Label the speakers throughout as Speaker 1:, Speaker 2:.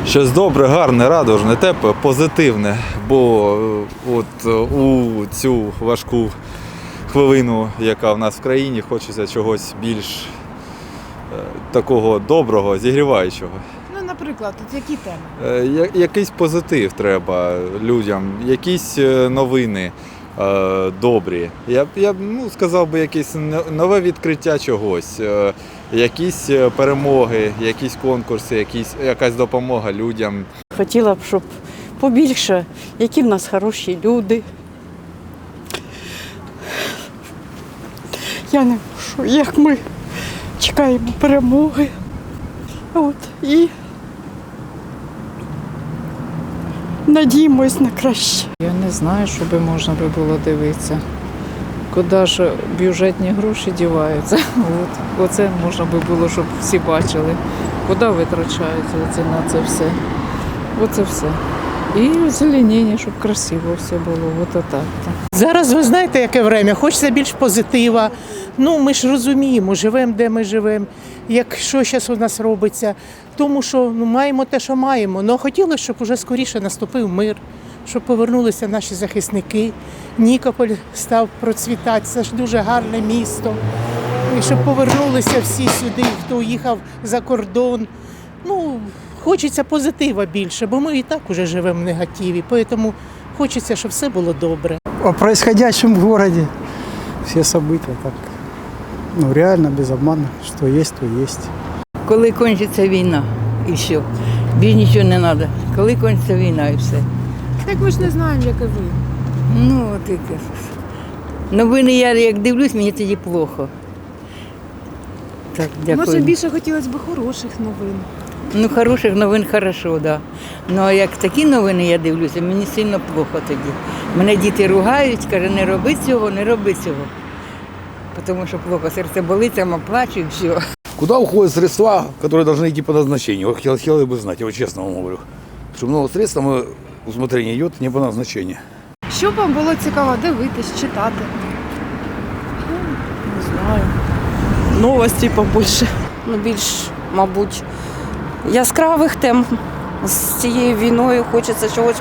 Speaker 1: Щось добре, гарне, радужне, тепле, позитивне, бо от у цю важку хвилину, яка в нас в країні, хочеться чогось більш такого доброго, зігріваючого.
Speaker 2: Ну, наприклад, от які теми?
Speaker 1: Якийсь позитив треба людям, якісь новини добрі. Я б сказав би, якесь нове відкриття чогось, якісь перемоги, якісь конкурси, якась допомога людям.
Speaker 3: Хотіла б, щоб побільше, які в нас хороші люди. Я не можу, як ми чекаємо перемоги. І надіємось на краще.
Speaker 4: Я не знаю, що би можна було дивитися. Куди ж бюджетні гроші діваються. Оце можна було, щоб всі бачили, куди витрачаються на це все. Оце все. І озеленіння, щоб красиво все було. Отак.
Speaker 5: Зараз ви знаєте, яке время, хочеться більш позитива. Ми ж розуміємо, живемо, де ми живемо, що зараз у нас робиться. Тому що маємо те, що маємо. Але хотілося, щоб уже скоріше наступив мир, щоб повернулися наші захисники. Нікополь став процвітати, це ж дуже гарне місто. І щоб повернулися всі сюди, хто їхав за кордон. Хочеться позитива більше, бо ми і так уже живемо в негативі. Тому хочеться, щоб все було добре.
Speaker 6: О происходящем в городе все события так, реально без обмана, что есть, то есть.
Speaker 7: Коли кончиться війна і все. Більше нічого не треба. Коли кончиться війна і все.
Speaker 2: Так ми ж не знаємо, як і ви.
Speaker 7: От яке. Новини я як дивлюсь, мені тоді плохо. Так, дякую.
Speaker 2: Може, більше хотілося б хороших новин.
Speaker 7: Хороших новин хорошо, так. Да. Ну, а як такі новини я дивлюся, мені сильно плохо тоді. Мене діти ругають, кажуть, не роби цього, не роби цього. Тому що плохо, серце болить, сама плачу і все.
Speaker 8: Куда уходят средства, которые должны идти по назначению? Хотел бы знать, я вот честно вам говорю. Что много средств, усмотрение идет не по назначению.
Speaker 2: Що б вам було цікаво дивитись, читати?
Speaker 3: Не знаю. Новості побільше. Більш, мабуть, яскравих тем. З цією війною хочеться чогось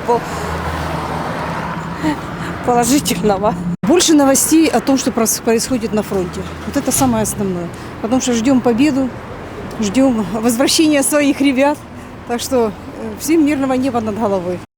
Speaker 3: положительного.
Speaker 9: Больше новостей о том, что происходит на фронте. Вот это самое основное. Потому что ждем победу, ждем возвращения своих ребят. Так что всем мирного неба над головой.